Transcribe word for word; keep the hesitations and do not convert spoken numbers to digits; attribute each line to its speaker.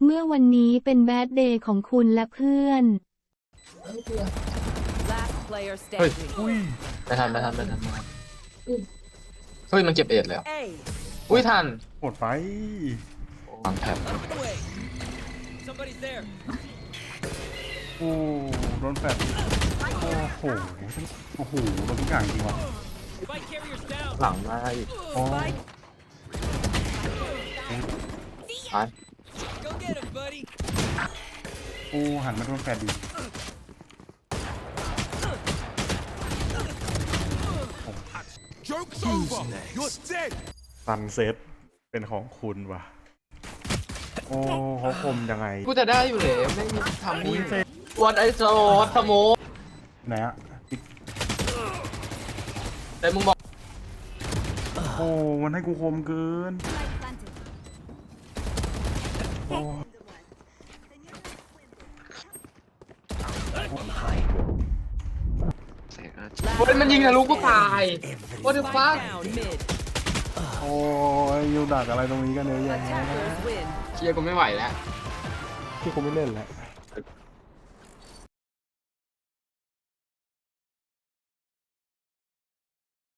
Speaker 1: เมื่อวันนี้เป็นแบดเดย์ของคุณและเพื่อน
Speaker 2: Last player
Speaker 3: เฮ้ย
Speaker 2: standing.
Speaker 4: อุ้ย
Speaker 3: ไม่ทันไม่ทันไม่ทันไม่ทันเฮ้ยมันเก็บเอ็ดเลยเหรอ
Speaker 2: A.
Speaker 3: อุ้ยทัน
Speaker 4: หมดไป
Speaker 3: วางแถบ
Speaker 2: Somebody's there.
Speaker 4: โอ้โดนแฟดโอ้โหโอ้โหโดนทุกอย่างจริงว่ะ
Speaker 2: Spike carriers down.
Speaker 3: หลังมาอีก
Speaker 4: โอ้
Speaker 2: Spike.
Speaker 3: ตาย
Speaker 2: Go get him, buddy.
Speaker 4: โอ้หันมาโดนแฟดดี
Speaker 5: Joke's over. You're dead.
Speaker 4: ซันเซ็ตเป็นของคุณว่ะโอ้เขาคมยังไง
Speaker 3: กูจะได้อยู่เลยไม่มีทำ
Speaker 4: อุ้
Speaker 3: นี่
Speaker 4: ยเซ็ต
Speaker 3: วันไอโซสโม
Speaker 4: ไหนอะ
Speaker 3: แต่มึงบอก
Speaker 4: โอ้มันให้กูคมเกินโอ้
Speaker 3: เฮ้ยมันยิงทะลุกูตาย What the fuck
Speaker 2: Spike down mid.
Speaker 4: โอ้ยยูดักอะไรตรงนี้กันเยอะแยะ
Speaker 2: Attackers win.
Speaker 3: เชียร์กูไม่ไหวแล้ว
Speaker 4: ที่กูไม่เล่นแล้ว